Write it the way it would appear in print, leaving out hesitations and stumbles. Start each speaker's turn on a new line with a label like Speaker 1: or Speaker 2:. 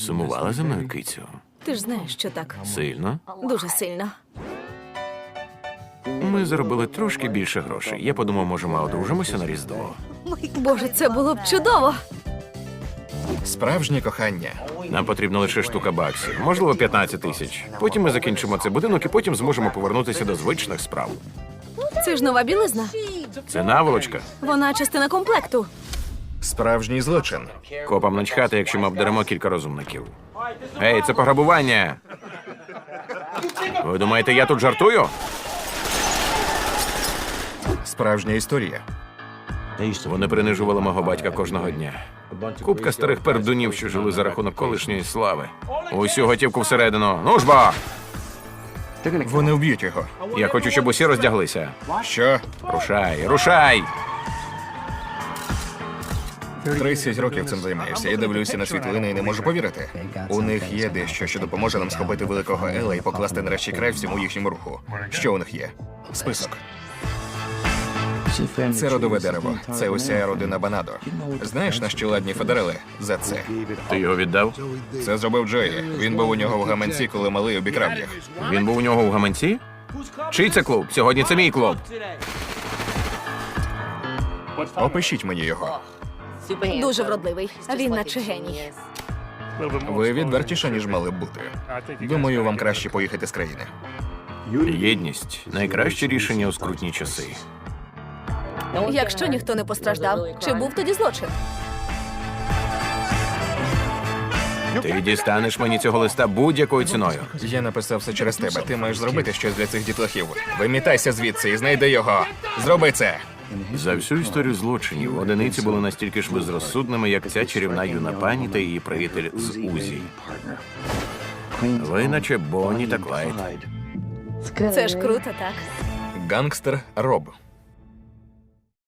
Speaker 1: Сумувала за мною, кицю?
Speaker 2: Ти ж знаєш, що так.
Speaker 1: Сильно?
Speaker 2: Дуже сильно.
Speaker 1: Ми заробили трошки більше грошей. Я подумав, може, ми одружимося на Різдво.
Speaker 2: Боже, це було б чудово.
Speaker 3: Справжнє кохання.
Speaker 1: Нам потрібна лише штука баксів, можливо, 15 тисяч. Потім ми закінчимо цей будинок і потім зможемо повернутися до звичних справ.
Speaker 2: Це ж нова білизна.
Speaker 1: Це наволочка.
Speaker 2: Вона частина комплекту.
Speaker 3: Справжній злочин.
Speaker 1: Копам начхати, якщо ми обдеремо кілька розумників. Ей, це пограбування! Ви думаєте, я тут жартую?
Speaker 3: Справжня історія.
Speaker 1: Вони принижували мого батька кожного дня. Купка старих пердунів, що жили за рахунок колишньої слави. Усю готівку всередину. Ну ж бо!
Speaker 3: Вони вб'ють його.
Speaker 1: Я хочу, щоб усі роздяглися.
Speaker 3: Що?
Speaker 1: Рушай, рушай!
Speaker 3: 30 років цим займаєшся. Я дивлюся на світлини і не можу повірити. У них є дещо, що допоможе нам схопити великого Ела і покласти нарешті край всьому їхньому руху. Що у них є? Список. Це родове дерево. Це уся родина Банадо. Знаєш, на що ладні федерали за це?
Speaker 1: Ти його віддав?
Speaker 3: Це зробив Джої. Він був у нього в гаманці, коли малий обікрав їх.
Speaker 1: Він був у нього в гаманці? Чий це клуб? Сьогодні це мій клуб.
Speaker 3: Опишіть мені його.
Speaker 2: Дуже вродливий. Він наче геній.
Speaker 3: Ви відвертіше, ніж мали б бути. Думаю, вам краще поїхати з країни.
Speaker 1: Єдність – найкраще рішення у скрутні часи.
Speaker 2: Якщо ніхто не постраждав, чи був тоді злочин?
Speaker 1: Ти дістанеш мені цього листа будь-якою ціною.
Speaker 3: Я написав все через тебе. Ти маєш зробити щось для цих дітлахів. Вимітайся звідси і знайди його. Зроби це.
Speaker 1: За всю історію злочинів одиниці були настільки ж безрозсудними, як ця чарівна юна пані та її приятель з Узі. Ви наче Бонні та Клайд.
Speaker 2: Це ж круто, так?
Speaker 3: Гангстер Роб.